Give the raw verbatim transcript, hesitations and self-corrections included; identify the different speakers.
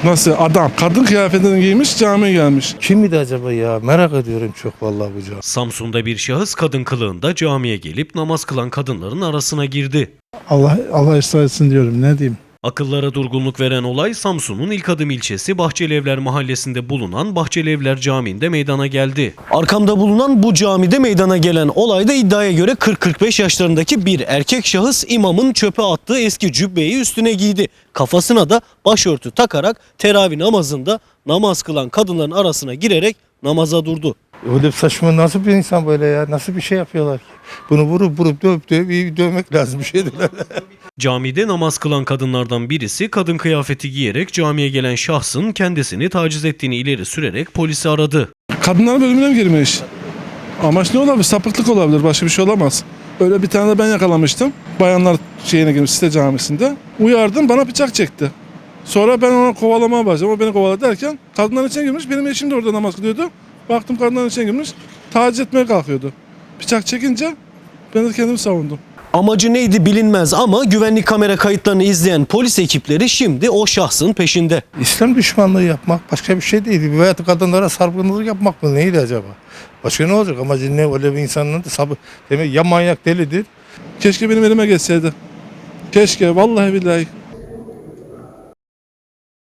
Speaker 1: Nasıl adam? Kadın kıyafetini giymiş camiye gelmiş.
Speaker 2: Kimdi acaba ya? Merak ediyorum çok vallahi bu cami.
Speaker 3: Samsun'da bir şahıs kadın kılığında camiye gelip namaz kılan kadınların arasına girdi.
Speaker 4: Allah Allah ıslah etsin diyorum, ne diyeyim.
Speaker 3: Akıllara durgunluk veren olay Samsun'un İlkadım ilçesi Bahçelievler mahallesinde bulunan Bahçelievler Camii'nde meydana geldi. Arkamda bulunan bu camide meydana gelen olayda iddiaya göre kırk kırk beş yaşlarındaki bir erkek şahıs imamın çöpe attığı eski cübbeyi üstüne giydi. Kafasına da başörtü takarak teravih namazında namaz kılan kadınların arasına girerek namaza durdu.
Speaker 2: Öyle saçma nasıl bir insan böyle ya? Nasıl bir şey yapıyorlar ki? Bunu vurup vurup dövüp dövüp iyi dövmek lazım bir şey değil.
Speaker 3: Camide namaz kılan kadınlardan birisi kadın kıyafeti giyerek camiye gelen şahsın kendisini taciz ettiğini ileri sürerek polisi aradı.
Speaker 1: Kadınlar bölümüne mi girmiş? Amaç ne olabilir? Sapıklık olabilir. Başka bir şey olamaz. Öyle bir tane de ben yakalamıştım. Bayanlar şeyine girmiş site camisinde. Uyardım, bana bıçak çekti. Sonra ben ona kovalamaya başladım. O beni kovaladı derken kadınların içine girmiş. Benim eşim de orada namaz kılıyordu. Baktım kadınların içine girmiş. Taciz etmeye kalkıyordu. Bıçak çekince ben de kendimi savundum.
Speaker 3: Amacı neydi bilinmez ama güvenlik kamera kayıtlarını izleyen polis ekipleri şimdi o şahsın peşinde.
Speaker 2: İslam düşmanlığı yapmak başka bir şey değil. Veya kadınlara sargınlık yapmak mı neydi acaba? Başka ne olacak? Amacı ne? Öyle bir insanın da sabır. Demek ya manyak delidir.
Speaker 1: Keşke benim elime geçseydi. Keşke vallahi billahi.